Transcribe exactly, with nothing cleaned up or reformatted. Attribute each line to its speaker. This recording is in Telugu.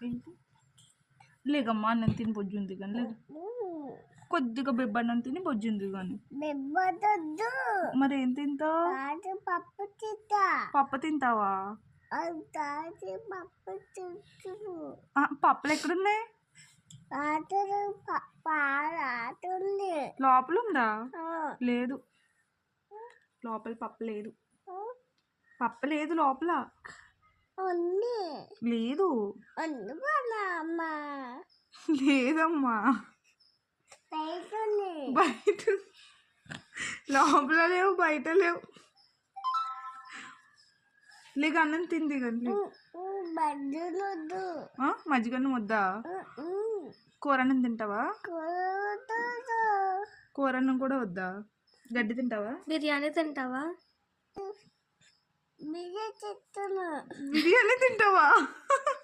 Speaker 1: ఏంటి లేకమ్మా అన్నం తిని బొజ్జుంది కానీ లేదు కొద్దిగా బెబ్బన్నం తిని బొజ్జుంది కానీ మరి ఏం తింటావు
Speaker 2: పప్పు తింటా
Speaker 1: పప్పు తింటావా
Speaker 2: పప్పు తింటు
Speaker 1: పప్పులు ఎక్కడున్నాయి
Speaker 2: పాటుంది
Speaker 1: లోపల ఉందా లేదు లోపల పప్పు లేదు పప్పు లేదు లోపల లేదు లేదమ్మా బయట లోపల లేవు బయట లేవు లేక అన్నం తింది కానీ మజ్జిగన్నం వద్దా కూరన్నం తింటావా కూరన్నం కూడా వద్దా గడ్డి తింటావా
Speaker 2: బిర్యానీ తింటావా
Speaker 1: బిర్యానీ తింటావా